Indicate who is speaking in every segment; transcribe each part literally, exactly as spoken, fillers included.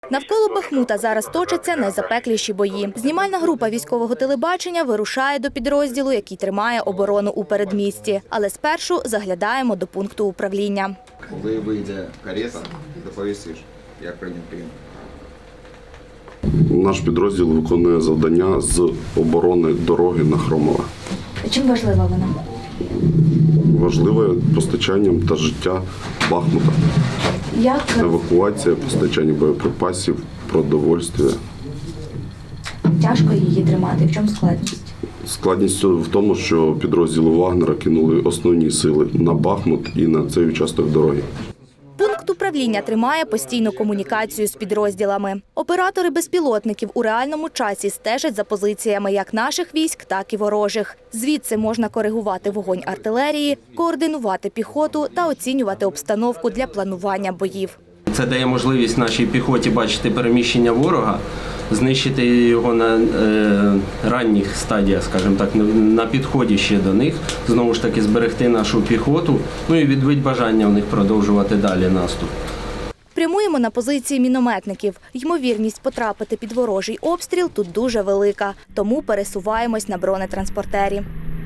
Speaker 1: Навколо Бахмута зараз точаться найзапекліші бої. Знімальна група військового телебачення вирушає до підрозділу, який тримає оборону у передмісті. Але спершу заглядаємо до пункту управління.
Speaker 2: Коли вийде карета, доповістиш, як прийняв прийом.
Speaker 3: Наш підрозділ виконує завдання з оборони дороги на Хромове.
Speaker 1: Чим важлива вона?
Speaker 3: Важливе постачанням та життя Бахмута.
Speaker 1: Як?
Speaker 3: Евакуація, постачання боєприпасів, продовольствя.
Speaker 1: Тяжко її тримати? В чому складність?
Speaker 3: Складність в тому, що підрозділи Вагнера кинули основні сили на Бахмут і на цей участок дороги.
Speaker 1: Пункт управління тримає постійну комунікацію з підрозділами. Оператори безпілотників у реальному часі стежать за позиціями як наших військ, так і ворожих. Звідси можна коригувати вогонь артилерії, координувати піхоту та оцінювати обстановку для планування боїв.
Speaker 4: Це дає можливість нашій піхоті бачити переміщення ворога, знищити його на е, ранніх стадіях, скажімо так, на підході ще до них, знову ж таки зберегти нашу піхоту, ну і відбити бажання в них продовжувати далі наступ.
Speaker 1: Прямуємо на позиції мінометників. Ймовірність потрапити під ворожий обстріл тут дуже велика, тому пересуваємось на бронетранспортері.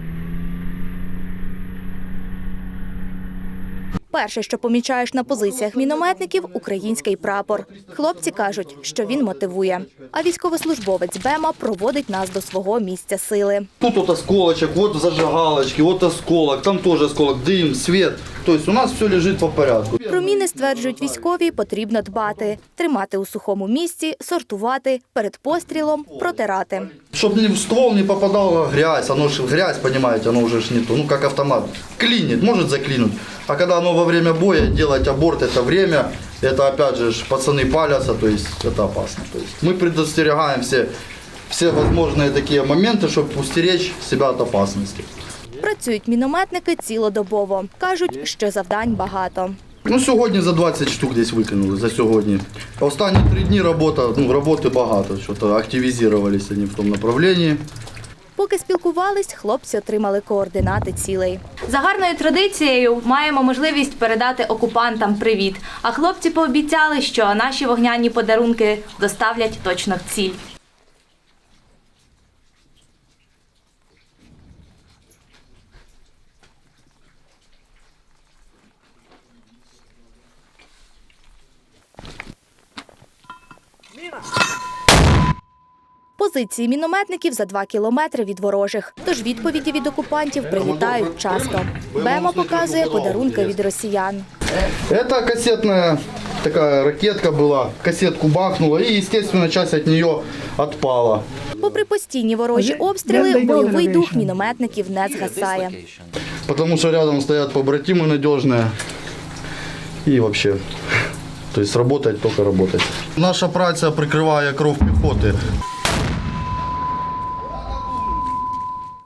Speaker 1: Перше, що помічаєш на позиціях мінометників – український прапор. Хлопці кажуть, що він мотивує. А військовослужбовець БЕМа проводить нас до свого місця сили.
Speaker 5: Тут вот осколочек, вот зажигалочки, вот осколок, там тоже осколок, дым, свет. То есть у нас все лежит по порядку.
Speaker 1: Про міни, стверджують військові, потрібно дбати. Тримати у сухому місці, сортувати, перед пострілом протирати.
Speaker 5: Чтобы в ствол не попадала грязь, оно же грязь, понимаете, оно уже ж не то, ну как автомат. Клинит, может заклинуть. А когда оно во время боя, делать аборт это время, это опять же пацаны палятся, то есть это опасно. То есть мы предостерегаем все, все возможные такие моменты, чтобы устеречь себя от опасности.
Speaker 1: Працюють мінометники цілодобово. Кажуть, що завдань багато.
Speaker 5: Ну, сьогодні за двадцять штук десь викинули, за сьогодні. Останні три дні робота, ну, роботи багато, що-то активізувалися вони в тому направленні.
Speaker 1: Поки спілкувались, хлопці отримали координати цілей.
Speaker 6: За гарною традицією маємо можливість передати окупантам привіт. А хлопці пообіцяли, що наші вогняні подарунки доставлять точно в ціль.
Speaker 1: Позиції мінометників за два кілометри від ворожих. Тож відповіді від окупантів прилітають часто. БЕМа показує подарунки від росіян.
Speaker 5: Це касетна така ракетка була, касетку бахнула і, звісно, часть від неї відпала.
Speaker 1: Попри постійні ворожі обстріли, бойовий дух мінометників не згасає.
Speaker 5: Тому що рядом стоять побратими надіжні і взагалі, тобто працювати, тільки працювати. Наша праця прикриває кров піхоти.